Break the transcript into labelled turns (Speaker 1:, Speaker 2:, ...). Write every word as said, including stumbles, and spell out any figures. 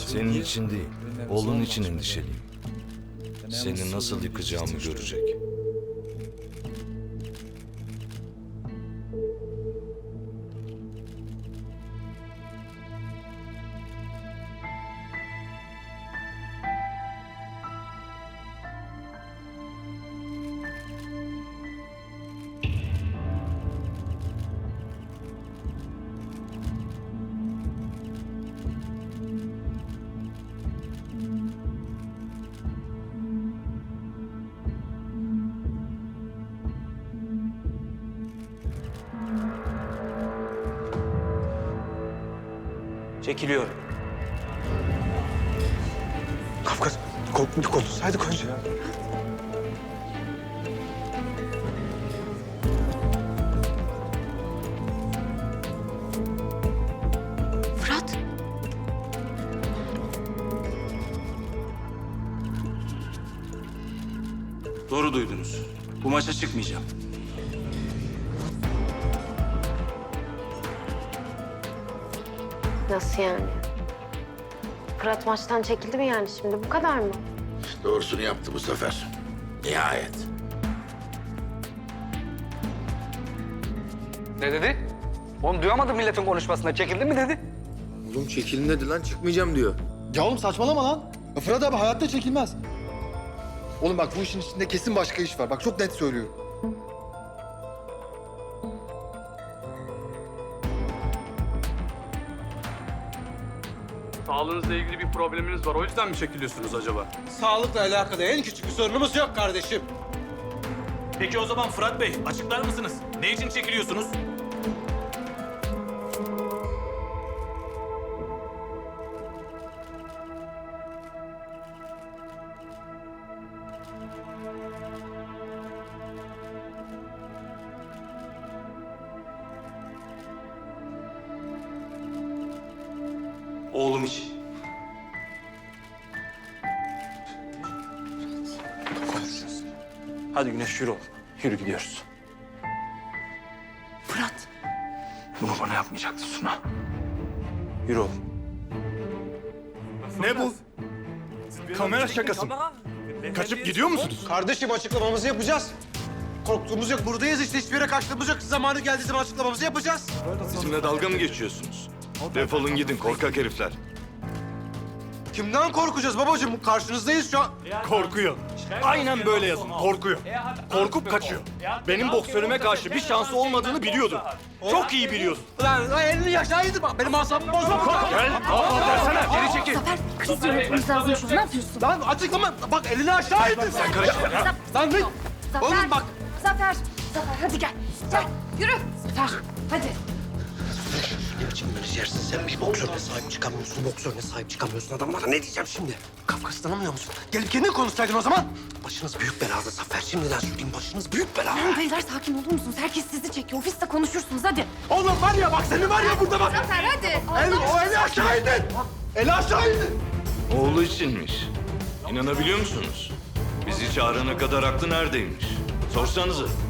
Speaker 1: Senin için değil, oğlun için endişeliyim. Seni nasıl yıkacağımı görecek.
Speaker 2: Çekiliyorum.
Speaker 3: Kafkas, korkmuş konuşsaydık önce ya.
Speaker 4: Fırat.
Speaker 2: Doğru duydunuz. Bu maça çıkmayacağım.
Speaker 4: Nasıl yani? Fırat maçtan çekildi mi yani şimdi? Bu kadar mı?
Speaker 5: Doğrusunu yaptı bu sefer. Nihayet.
Speaker 6: Ne dedi? Oğlum duyamadım milletin konuşmasında. Çekildi mi dedi?
Speaker 3: Oğlum çekilin dedi lan, çıkmayacağım diyor.
Speaker 7: Ya oğlum saçmalama lan. Ya Fırat abi hayatta çekilmez. Oğlum bak bu işin içinde kesin başka iş var. Bak çok net söylüyorum.
Speaker 8: Sağlığınızla ilgili bir probleminiz var. O yüzden mi çekiliyorsunuz acaba?
Speaker 9: Sağlıkla alakalı en küçük bir sorunumuz yok kardeşim.
Speaker 10: Peki o zaman Fırat Bey, açıklar mısınız? Ne için çekiliyorsunuz?
Speaker 2: Oğlum için. Hadi Güneş yürü oğlum. Yürü gidiyoruz.
Speaker 4: Fırat.
Speaker 2: Bunu bana yapmayacaktı Suna. Yürü oğlum.
Speaker 10: Ne bu? Kamera şakası mı? Kaçıp gidiyor musunuz?
Speaker 9: Kardeşim açıklamamızı yapacağız. Korktuğumuz yok. Buradayız işte. Hiçbir yere kaçtığımız yok. Zamanı geldiği zaman açıklamamızı yapacağız.
Speaker 1: Bizimle dalga mı geçiyorsunuz? Defolun gidin korkak herifler.
Speaker 9: Kimden korkacağız babacığım? Karşınızdayız şu an.
Speaker 10: Korkuyor. Aynen böyle yazın, korkuyor. Korkup kaçıyor. Benim boksörüme karşı bir şansı olmadığını biliyordu. Çok iyi biliyorsun.
Speaker 9: Lan, lan elini yaşaydı bak. Benim asabımı bozma.
Speaker 10: Gel, kafa versene, geri çekil.
Speaker 4: Zafer kriz yönetmemiz lazım şu an. Ne yapıyorsun?
Speaker 9: Lan açıklama. Bak elini aşağıydı. Sen karışma. Lan ne?
Speaker 4: Zafer.
Speaker 9: Oğlum bak.
Speaker 4: Zafer. Zafer hadi gel. Gel yürü. Zafer hadi.
Speaker 3: Şimdi yersin sen bir boksörüne sahip çıkamıyorsun, boksörüne sahip çıkamıyorsun adamlara. Ne diyeceğim şimdi? Kafkas'ı tanımıyor musun?
Speaker 9: Gelip kendin konuşsaydın o zaman.
Speaker 3: Başınız büyük belada Zafer. Şimdiden söyleyeyim, başınız büyük belada.
Speaker 4: Tamam beyler sakin olur musunuz? Herkes sizi çekiyor. Ofiste konuşursunuz hadi.
Speaker 9: Oğlum var ya bak seni var ya burada bak.
Speaker 4: Zafer hadi.
Speaker 9: El, o eli aşağıydı. Eli aşağıydı.
Speaker 1: Oğlu içinmiş. İnanabiliyor musunuz? Bizi çağırana kadar aklı neredeymiş? Sorsanıza.